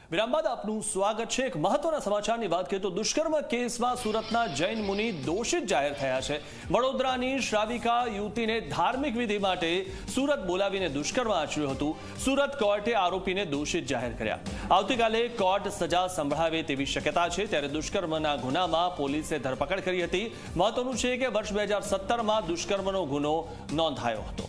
વિરામ બાદ આપનું સ્વાગત છે। એક મહત્વના સમાચારની વાત કરીએ તો દુષ્કર્મ કેસમાં સુરતના જૈન મુનિ દોષિત જાહેર થયા છે। વડોદરાની શ્રાવિકા યુવતીને ધાર્મિક વિધિ માટે સુરત બોલાવીને દુષ્કર્મ આચર્યું હતું। સુરત કોર્ટે આરોપીને દોષિત જાહેર કર્યા। આવતીકાલે કોર્ટ સજા સંભળાવે તેવી શક્યતા છે। ત્યારે દુષ્કર્મના ગુનામાં પોલીસે ધરપકડ કરી હતી। મહત્વનું છે કે વર્ષ 2017માં દુષ્કર્મનો ગુનો નોંધાયો હતો।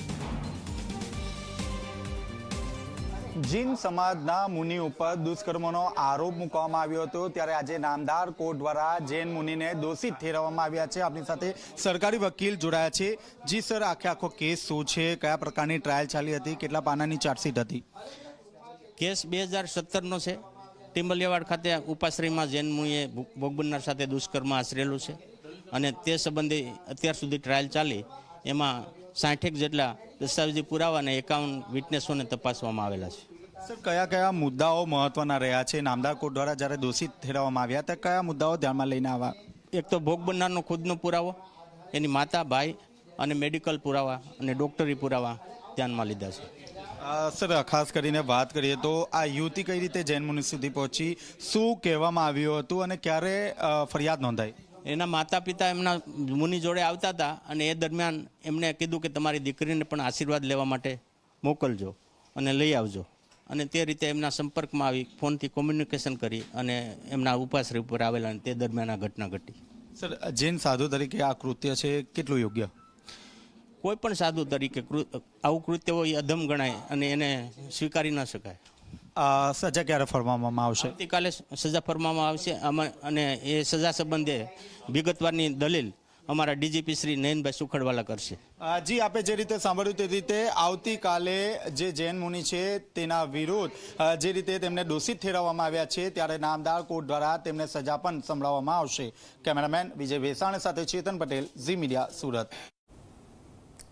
જૈન સમાજના મુનિ ઉપર દુષ્કર્મનો આરોપ મૂકવામાં આવ્યો હતો ત્યારે આજે નામદાર કોર્ટ દ્વારા જૈન મુનિને દોષિત ઠેરવવામાં આવ્યા છે। આપણી સાથે સરકારી વકીલ જોડાયા છે। જી સર, આખો કેસ શું છે, કયા પ્રકારની ટ્રાયલ ચાલી હતી, કેટલા પાનાની ચાર્જશીટ હતી? કેસ 2017નો છે। ટિમ્બલિયાવાડ ખાતે ઉપાશ્રયમાં જૈન મુનિએ ભોગ બનનાર સાથે દુષ્કર્મ આચરેલું છે અને તે સંબંધે અત્યાર સુધી ટ્રાયલ ચાલી એમાં 60 જેટલા દસ્તાવેજી પુરાવા અને 51 વિટનેસોને તપાસવામાં આવેલા છે। સર, કયા કયા મુદ્દાઓ મહત્વના રહ્યા છે? નામદાર કોર્ટ દ્વારા જ્યારે દોષિત ઠેરવવામાં આવ્યા ત્યારે કયા મુદ્દાઓ ધ્યાનમાં લઈને આવ્યા? એક તો ભોગ બનનારનો ખુદનો પુરાવો, એની માતા, ભાઈ અને મેડિકલ પુરાવા અને ડોક્ટરી પુરાવા ધ્યાનમાં લીધા છે। સર, ખાસ કરીને વાત કરીએ તો આ યુવતી કઈ રીતે જૈન મુનિ સુધી પહોંચી, શું કહેવામાં આવ્યું હતું અને ક્યારે ફરિયાદ નોંધાઈ? એના માતા પિતા એમના મુનિ જોડે આવતા હતા અને એ દરમિયાન એમને કીધું કે તમારી દીકરીને પણ આશીર્વાદ લેવા માટે મોકલજો અને લઈ આવજો, અને તે રીતે એમના સંપર્કમાં આવી ફોનથી કોમ્યુનિકેશન કરી અને એમના ઉપાશ્રય ઉપર આવેલા અને તે દરમિયાન આ ઘટના ઘટી। સર, જૈન સાધુ તરીકે આ કૃત્ય છે કેટલું યોગ્ય? કોઈ પણ સાધુ તરીકે આવું કૃત્ય હોય અધમ ગણાય અને એને સ્વીકારી ન શકાય। સજા ક્યારે ફરમાવવામાં આવશે? આવતીકાલે સજા ફરમાવવામાં આવશે અને એ સજા સંબંધે વિગતવારની દલીલ અમારા ડીજીપી શ્રી નયનભાઈ સુખડવાલા કરશે। જી, આપે જે રીતે સાંભળ્યું તે રીતે આવતીકાલે જે જૈન મુનિ છે તેના વિરુદ્ધ જે રીતે તેમને દોષિત ઠેરવવામાં આવ્યા છે ત્યારે નામદાર કોર્ટ દ્વારા તેમને સજા પણ સંભળાવવામાં આવશે। કેમેરામેન વિજય વેસાણ સાથે ચેતન પટેલ, ઝી મીડિયા, સુરત।